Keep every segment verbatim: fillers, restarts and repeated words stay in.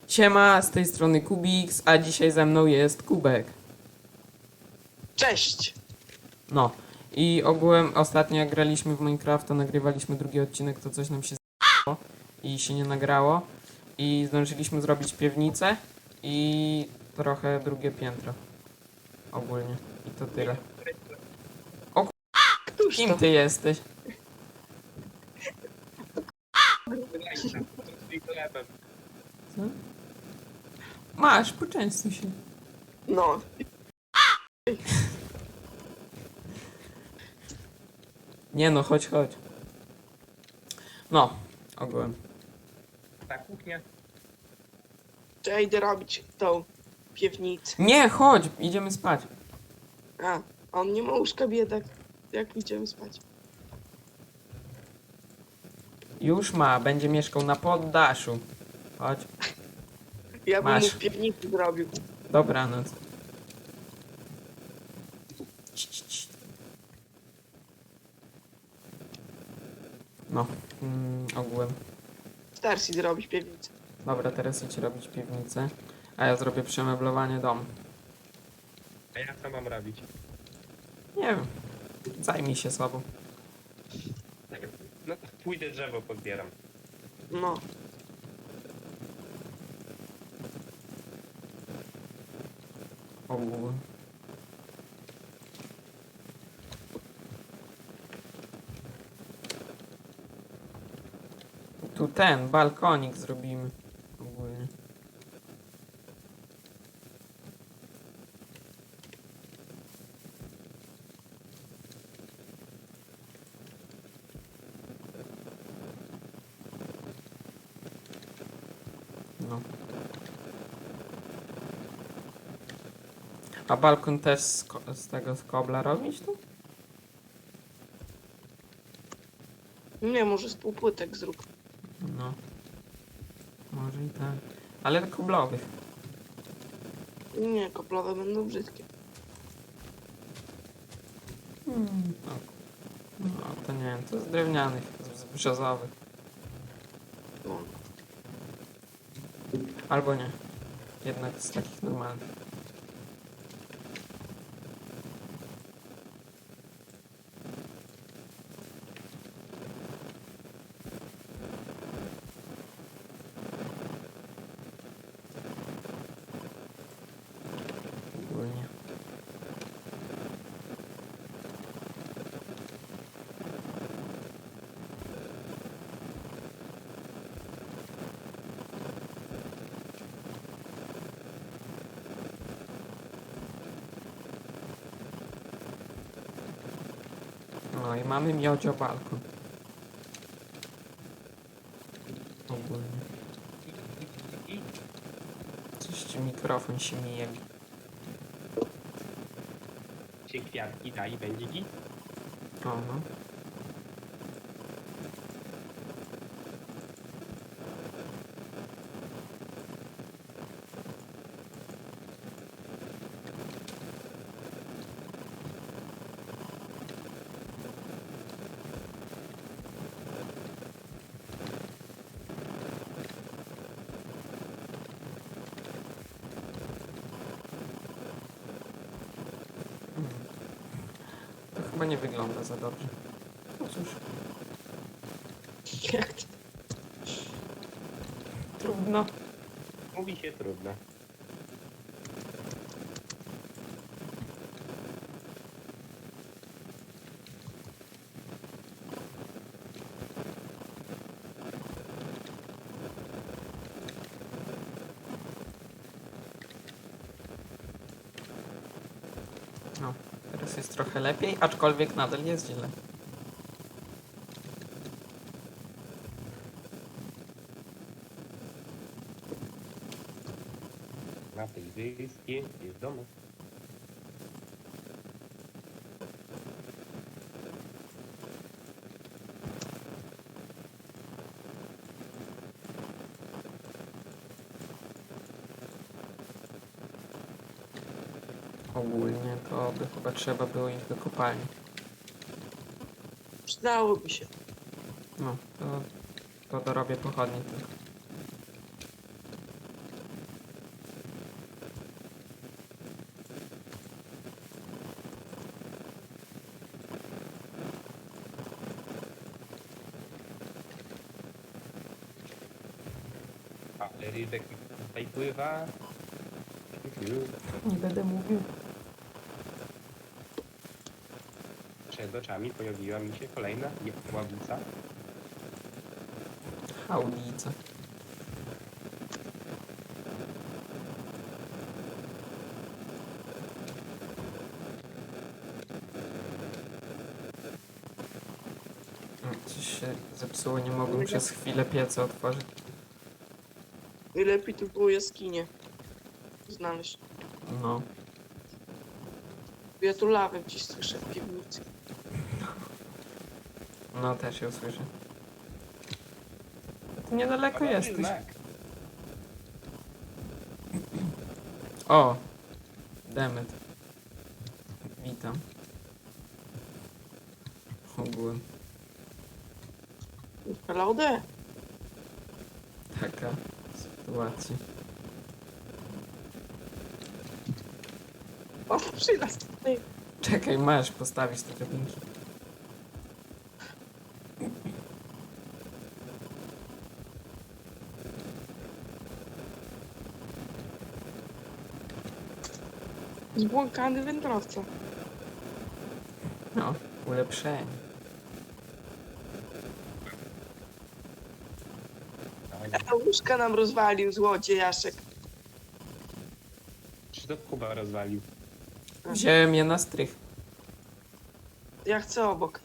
Siema, z tej strony Kubiks, a dzisiaj ze mną jest Kubek. Cześć! No i ogółem ostatnio jak graliśmy w Minecrafta, nagrywaliśmy drugi odcinek, to coś nam się z***ło i się nie nagrało. I zdążyliśmy zrobić piwnicę i trochę drugie piętro. Ogólnie. I to tyle. Któż Kim to? ty jesteś? Co? Masz, poczęstuj się. No, Nie no, chodź, chodź. No, ogółem. Ta kuchnia. to ja idę robić tą piwnicę. Nie, chodź, idziemy spać. A, on nie ma łóżka, biedak. Jak idziemy spać? Już ma, będzie mieszkał na poddaszu. Chodź, Ja bym Masz. mu w piwnicy zrobił. dobranoc. Cii, cii, cii. No, mm, ogółem. Starsi zrobić piwnicę. Dobra, teraz idź robić piwnicę, a ja zrobię przemeblowanie domu. A ja co mam robić? Nie wiem, zajmij się sobą. No to pójdę drzewo pozbieram. No, Ogółem. Tu ten, balkonik zrobimy. Ogólnie. No. A balkon też z, ko- z tego z kobla robić tu? nie, może z półpłytek zrób. No. Może i tak. Ale koblowych. Nie, koplowe będą brzydkie. Hmm. No. no to nie wiem, to z drewnianych, z, z brzozowych. No. Albo nie. Jednak z takich normalnych. Ogólnie. No i mamy miodzio balkon. Ogólnie. I Coś ci mikrofon się mije. się kwiatki da i będzie git. O no. To chyba nie wygląda za dobrze. No cóż, Jak to? trudno. Mówi się trudno. No, teraz jest trochę lepiej, aczkolwiek nadal jest źle. Na tej wyspie jest domu. Ogólnie to by chyba trzeba było iść do kopalni. Przydałoby się. No, to, to dorobię pochodnie tylko. Ale rybek tutaj pływa. Nie będę mówił. Przed oczami pojawiła mi się kolejna ławica. Haulica. Mm, Coś się zepsuło, nie mogłem przez chwilę pieca otworzyć. I lepiej tu było jaskinie znaleźć. No. Ja tu lawę gdzieś słyszę w piwnicy. No, też ją słyszę. Ty niedaleko Podobny jesteś. znak. O! Demet. Witam. Ogółem. Laudę. Taka sytuacja. O, przylas tutaj. Czekaj, masz postawić te drabinki. Zbłąkany wędrowca. No, ulepszenie. Dawaj, A łóżka nam rozwalił złodziejaszek. Czy to Kuba rozwalił? Wziąłem je na strych. Ja chcę obok.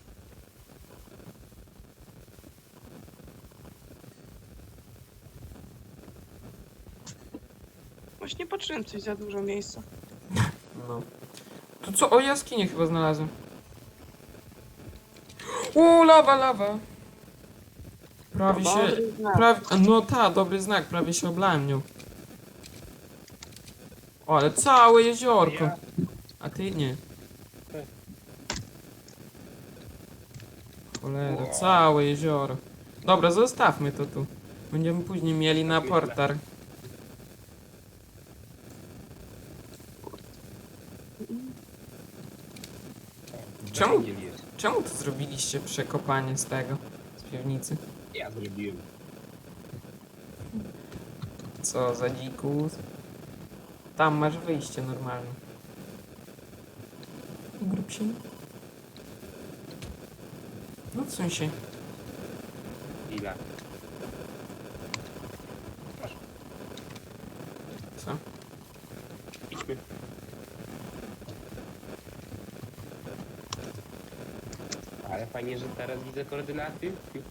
Właśnie patrzyłem, coś za dużo miejsca. No. To co? O, jaskinię chyba znalazłem. O, lawa, lawa. Prawie się... Dobry znak. Prawie, no ta, dobry znak, prawie się oblałem nią. O, ale całe jeziorko. Ja, A ty nie. Cholera, całe jezioro. Dobra, zostawmy to tu. Będziemy później mieli na portar. Czemu? węgiel jest. Czemu to zrobiliście przekopanie z tego? Z piwnicy? Ja zrobiłem. Co za dzikus? Tam masz wyjście normalne. Grób się. No w sensie. Chwila. Co? Idźmy. Ale fajnie, że teraz widzę koordynaty.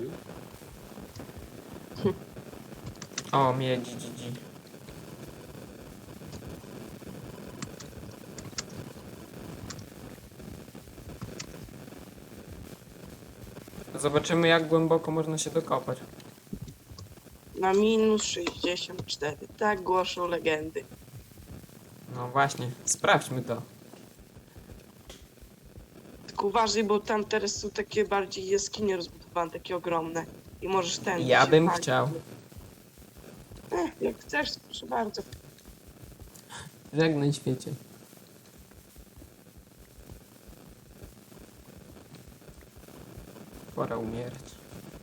O, miedzi, dzidzi. Zobaczymy, jak głęboko można się dokopać. Na minus sześćdziesiąt cztery. Tak głoszą legendy. No właśnie, sprawdźmy to. Tylko uważaj, bo tam teraz są takie bardziej jaskinie rozbudowane, takie ogromne. I możesz ten. Ja się bym palić. chciał. Eh, jak chcesz, proszę bardzo. Żegnaj świecie. Pora umierać.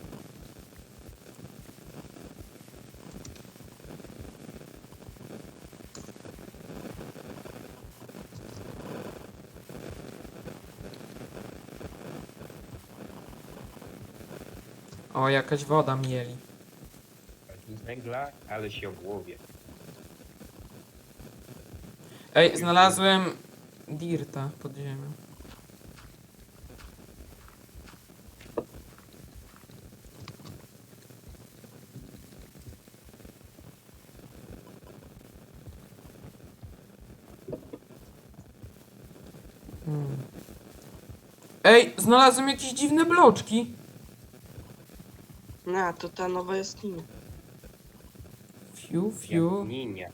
O, jakaś woda mieli. Z węgla, ale się ogłowie. Ej, znalazłem dirta pod ziemią. Hmm. Ej, znalazłem jakieś dziwne bloczki. No, to ta nowa jaskinia. Fiu, fiu. Ninia.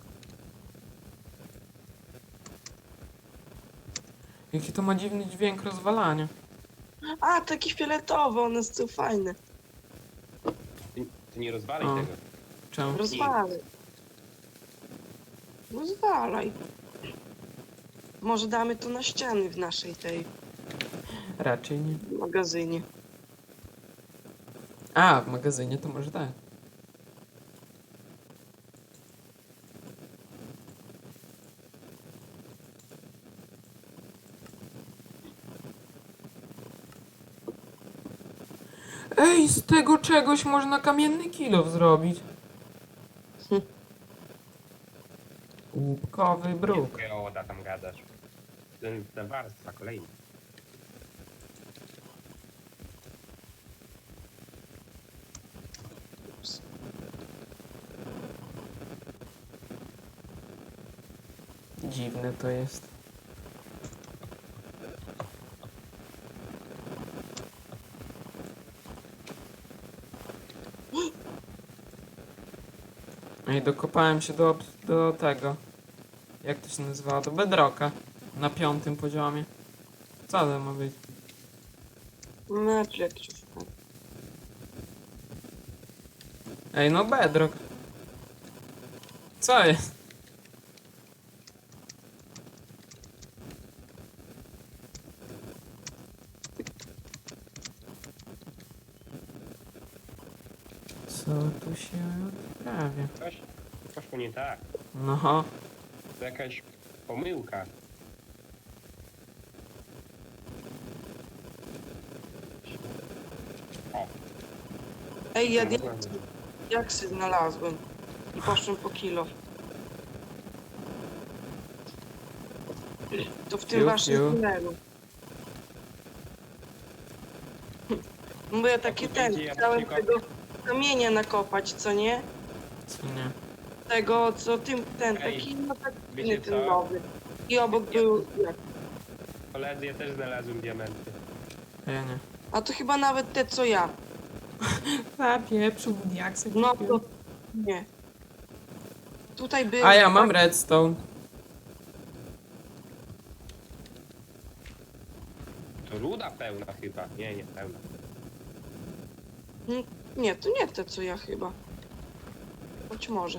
Jaki to ma dziwny dźwięk rozwalania. A, taki fioletowy, one są fajne. Ty, ty nie rozwalaj O. tego. Czemu? Rozwalaj. Rozwalaj. Może damy to na ściany w naszej tej Raczej nie. magazynie. A, w magazynie to może tak. Ej, z tego czegoś można kamienny kilof zrobić. Hm. Łupkowy bruk. Nie geoda tam gadasz. Ten, ta warstwa kolejna. Ups. Dziwne to jest. Ej, dokopałem się do, do tego. Jak to się nazywało? Do bedrocka. Na piątym poziomie. Co to ma być? Mecz jakiś. Ej, no bedrock. Co jest? Co tu się odprawia? Coś poszło nie tak. No, To jakaś pomyłka. O, Ej, ja to diaksy, mogłem- diaksy znalazłem. I poszłem po kilo. To w tym Piu, waszym piu. tunelu. No bo ja taki tutaj, ten, gdzie ja chciałem przykop- tego kamienia nakopać, co nie? co nie? Tego, co tym, ten, Ej, taki, no taki wiecie ten co? nowy. I obok był, jak? Koledzy, ja też znalazłem diamenty. A ja nie. A to chyba nawet te, co ja. A pieprzu, diaksy. No to, nie. Tutaj był... A ja mam redstone. To ruda pełna chyba. Nie, nie pełna. Mm, Nie, to nie te, co ja chyba. Być może.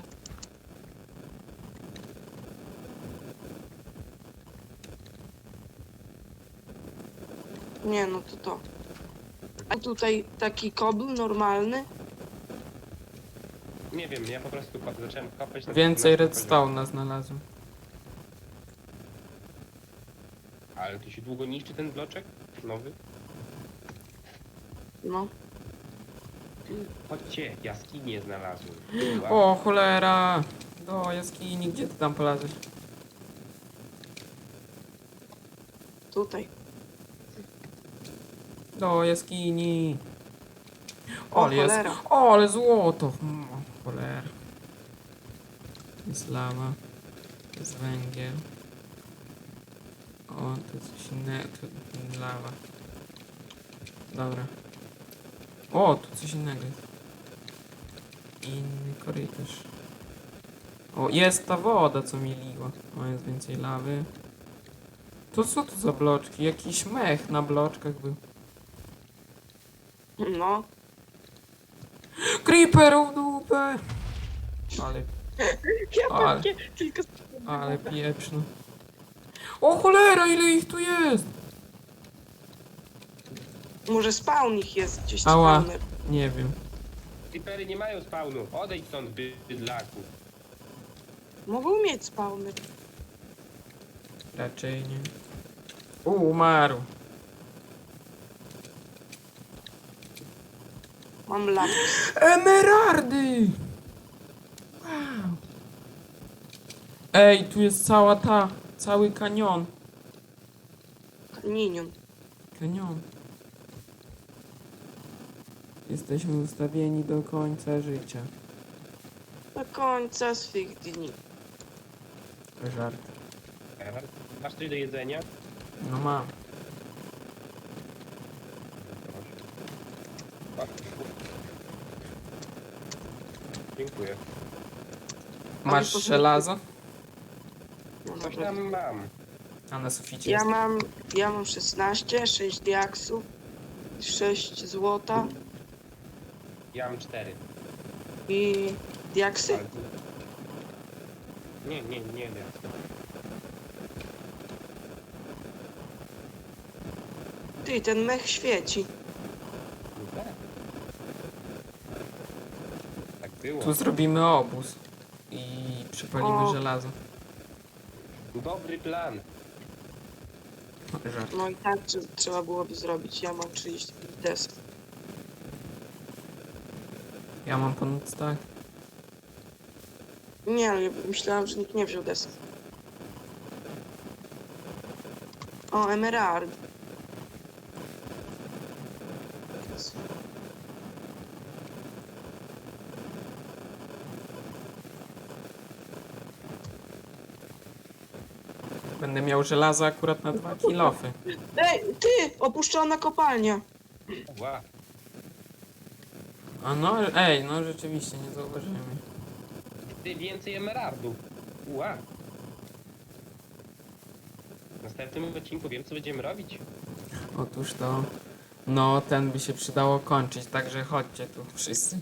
Nie, no to to. A tutaj taki kobl normalny. Nie wiem, ja po prostu ko- zacząłem kopać na Więcej dwunastym redstone'a znalazłem. poziomie. Ale to się długo niszczy ten bloczek? Nowy? No. Chodźcie, jaskinię znalazłem. Wow. O, cholera! Do jaskini, gdzie ty tam polazłeś? Tutaj. Do jaskini. O, O, ale jest. cholera. O, ale złoto! Mm, O, cholera. Jest lawa. Jest węgiel. O, tu coś innego. Tu lawa. Dobra. O, tu coś innego jest. Inny korytarz. O, jest ta woda, co mi liła. O, jest więcej lawy. To co to za bloczki? Jakiś mech na bloczkach był. No. Creeper w dupę! Ale, Ja Ale- pewnie tylko... ale pieprzno. O cholera, ile ich tu jest! Może spawn ich jest gdzieś Ała. spawner. Nie wiem. Creepery nie mają spawnu. Odejdź stąd, bydlaku. Mogą mieć spawner. Raczej nie. U, umarł. Mam lapis. Emeraldy! Wow. Ej, tu jest cała ta, cały kanion. Ninion. Kanion. Jesteśmy ustawieni do końca życia. Do końca swych dni. Żart. Ewer, masz coś do jedzenia? No mam. Proszę. Dziękuję. Masz to- żelazo? No, Coś dobra. tam mam. A na suficie Ja jest. mam, ja mam szesnaście, sześć diaksów, sześć złota Ja mam cztery. i diaksy. Ale... Nie, nie, nie wiem. Ty, ten mech świeci. No tak. Tak było. No. Tu zrobimy obóz. I przypalimy O. żelazo. Dobry plan. Żart. No i tak trze- trzeba byłoby zrobić. Ja mam trzydzieści pięć desek. Ja mam pomóc, tak? Nie, ale ja myślałam, że nikt nie wziął deski. O, emerald. Będę miał żelazo akurat na dwa kilofy. Ej, ty! Opuszczona kopalnia. Ła, A no, ej, no rzeczywiście, nie zauważyłem. ty więcej emeraldów. Ła. W następnym odcinku wiem, co będziemy robić. Otóż to, no ten by się przydało kończyć, także chodźcie tu wszyscy.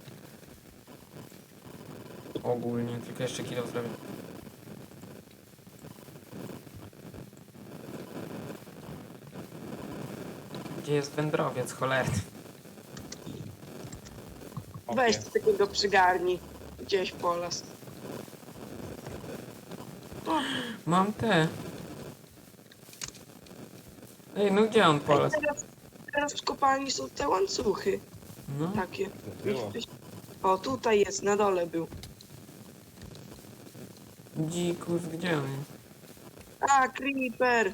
Ogólnie, tylko jeszcze kilo zrobię. Gdzie jest wędrowiec, cholerny? Weź Opie. takiego przygarni. Gdzieś po las. O, Mam te. Ej, no gdzie on polas? teraz, teraz w kopalni są te łańcuchy. No, Takie. Było. O, tutaj jest, na dole był. dzikus, gdzie on jest? A, creeper.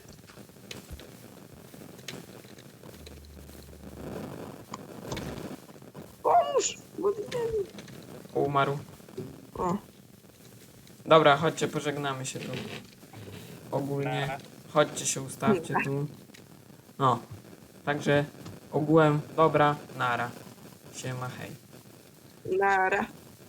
Pomóż! Bo ty nie... Umarł. O, Dobra, chodźcie, pożegnamy się tu. Ogólnie, Nara. chodźcie się ustawcie tu. No, także ogółem, dobra, nara. Siema, hej. nara.